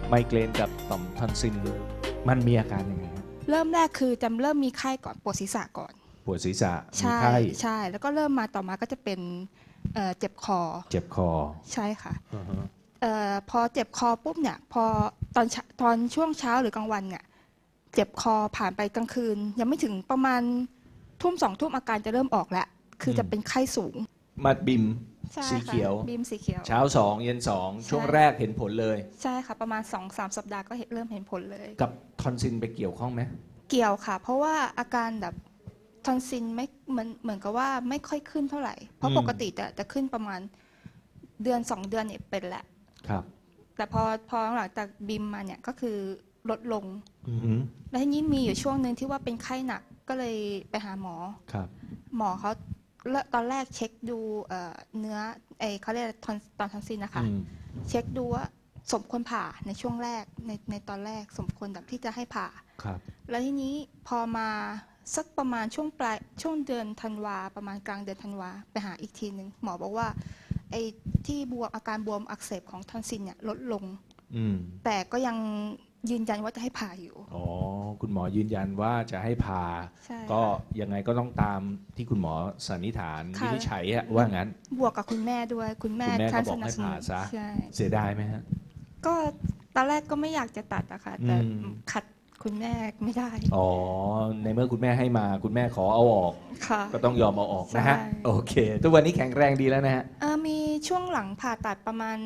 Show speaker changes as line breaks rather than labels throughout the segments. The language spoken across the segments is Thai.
ไมเกรนกับต่อมทอนซิลมันมีอาการยังไงครับ
เริ่มแรกคือจะเริ่มมีไข้ก่อนปวดศีรษะก่อน
ปวดศีรษะมี
ใช่
ไข้
ใช่แล้วก็เริ่มมาต่อมาก็จะเป็นเจ็บคอ
เจ็บคอ
ใช่ค่ะ
อือฮะ
พอเจ็บคอปุ๊บเนี่ยพอตอนช่วงเช้าหรือกลางวันเนี่ยเจ็บคอผ่านไปกลางคืนยังไม่ถึงประมาณทุ่มสองทุ่มอาการจะเริ่มออกแล้วคือจะเป็นไข้สูง
มาบิม
ใช่
สี
ค่ะ
เขียว
บีมสีเขียว
เช้า2เย็น2ช่วงแรกเห็นผลเลย
ใช่ค่ะประมาณ 2-3 สัปดาห์ก็เริ่มเห็นผลเลย
กับทอนซิลไปเกี่ยวข้องไหม
เกี่ยวค่ะเพราะว่าอาการแบบทอนซิลไม่เหมือนกับว่าไม่ค่อยขึ้นเท่าไหร่เพราะปกติจะขึ้นประมาณเดือน2 เดือนเนี่ยเป็นแหละ
ครับ
แต่พอหลังจากบิมมาเนี่ยก็คือลดลง
อือฮึ
แล้วทีนี้มีอยู่ช่วงหนึ่งที่ว่าเป็นไข้หนักก็เลยไปหาหมอ
ครับ
หมอเขาตอนแรกเช็คดูเนื้อเขาเรียกตอนทอนซิลนะคะเช็คดูว่าสมควรผ่าในช่วงแรกในตอนแรกสมควรแบบที่จะให้ผ่า
ครับ
แล้วทีนี้พอมาสักประมาณช่วงเดือนธันวาประมาณกลางเดือนธันวาไปหาอีกทีหนึ่งหมอบอกว่าไอ้ที่บวมอาการบวมอักเสบของทอนซิลเนี่ยลดลงแต่ก็ยังยืนยันว่าจะให้ผ่าอยู่
อ๋อคุณหมอยืนยันว่าจะให้ผ่าก็ยังไงก็ต้องตามที่คุณหมอสันนิษฐานวินิจฉัยว่างั้น
บวกกับคุณแม่ด้วยคุณแม่
ก็บอกให้ผ่าซะเสียดายไหมฮะ
ก็ตอนแรกก็ไม่อยากจะตัดอะค่ะแต่ขัดคุณแม่ไม่ได้
อ๋อในเมื่อคุณแม่ให้มาคุณแม่ขอเอาออกก็ต้องยอมเอาออกนะฮะโอเคทุกวันนี้แข็งแรงดีแล้วนะฮะ
มีช่วงหลังผ่าตัดประมาณ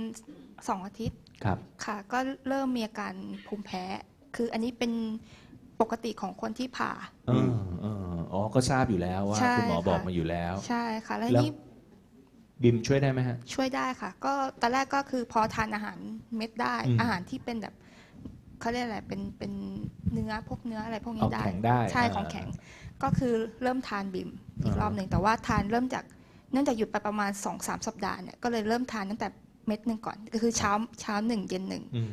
2 อาทิตย์
ครับ
ค่ะก็เริ่มมีอาการภูมิแพ้คืออันนี้เป็นปกติของคนที่ผ่า
อ๋อก็ทราบอยู่แล้วว่าคุณหมอบอกมาอยู่แล้ว
ใช่ค่ะแล้วนี่
บิมช่วยได้ไหมฮะ
ช่วยได้ค่ะก็ตอนแรกก็คือพอทานอาหารเม็ดได้อาหารที่เป็นแบบเขาเรียกอะไรเป็นเนื้อพวกเนื้ออะไรพวกนี้ได้ใช่ของแข็งก็คือเริ่มทานบิมอีกรอบหนึ่งแต่ว่าทานเริ่มจากเนื่องจากหยุดไปประมาณ 2-3 สัปดาห์เนี่ยก็เลยเริ่มทานตั้งแต่เม็ดหนึ่งก่อนก็คือเช้า1เย็น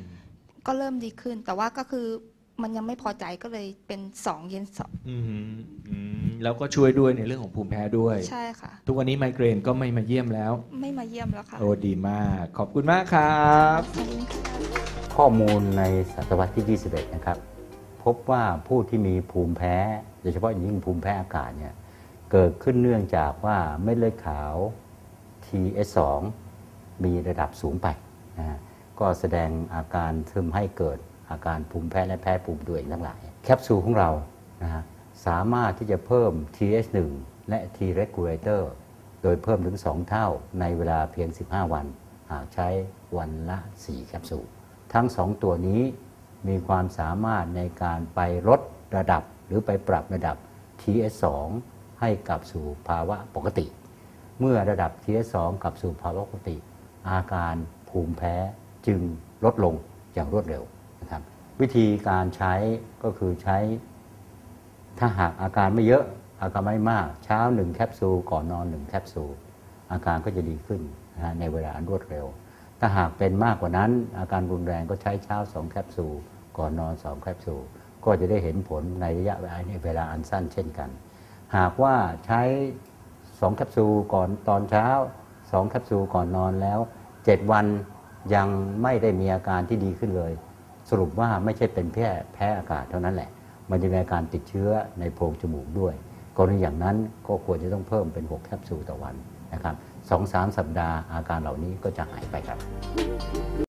1ก็เริ่มดีขึ้นแต่ว่าก็คือมันยังไม่พอใจก็เลยเป็น2เย็น2
แล้วก็ช่วยด้วยในเรื่องของภูมิแพ้ด้วย
ใช่ค่ะ
ทุกวันนี้ไมเกรนก็ไม่มาเยี่ยมแล้ว
ไม่มาเยี่ยมแล้วค่ะ
โอ้ดีมากขอบคุณมากครับ
ข้อมูลในศตวรรษที่ 21 นะครับพบว่าผู้ที่มีภูมิแพ้โดยเฉพาะอย่างยิ่งภูมิแพ้อากาศเนี่ยเกิดขึ้นเนื่องจากว่าเม็ดเลือดขาว TS2 มีระดับสูงไปนะก็แสดงอาการทำให้เกิดอาการภูมิแพ้และแพ้ภูมิตัวเองทั้งหลายแคปซูลของเรานะฮะสามารถที่จะเพิ่ม TH1 และ T regulator โดยเพิ่มถึง2 เท่าในเวลาเพียง15 วันหากใช้วันละ4 แคปซูลทั้ง2 ตัวนี้มีความสามารถในการไปลดระดับหรือไปปรับระดับ TH2 ให้กลับสู่ภาวะปกติเมื่อระดับ TH2 กลับสู่ภาวะปกติอาการภูมิแพ้จึงลดลงอย่างรวดเร็วนะครับวิธีการใช้ก็คือใช้ถ้าหากอาการไม่เยอะอาการไม่มากเช้า1 แคปซูลก่อนนอน1 แคปซูลอาการก็จะดีขึ้นนะในเวลาอันรวดเร็วถ้าหากเป็นมากกว่านั้นอาการรุนแรงก็ใช้เช้า2 แคปซูลก่อนนอน2 แคปซูลก็จะได้เห็นผลในระยะเวลาอันสั้นเช่นกันหากว่าใช้2 แคปซูลก่อนตอนเช้า2 แคปซูลก่อนนอนแล้ว7 วันยังไม่ได้มีอาการที่ดีขึ้นเลยสรุปว่าไม่ใช่เป็นแพ้อากาศเท่านั้นแหละมันจะมีอาการติดเชื้อในโพรงจมูกด้วยกรณีอย่างนั้นก็ควรจะต้องเพิ่มเป็น6 แคปซูลต่อวันนะครับ2-3 สัปดาห์อาการเหล่านี้ก็จะหายไปครับ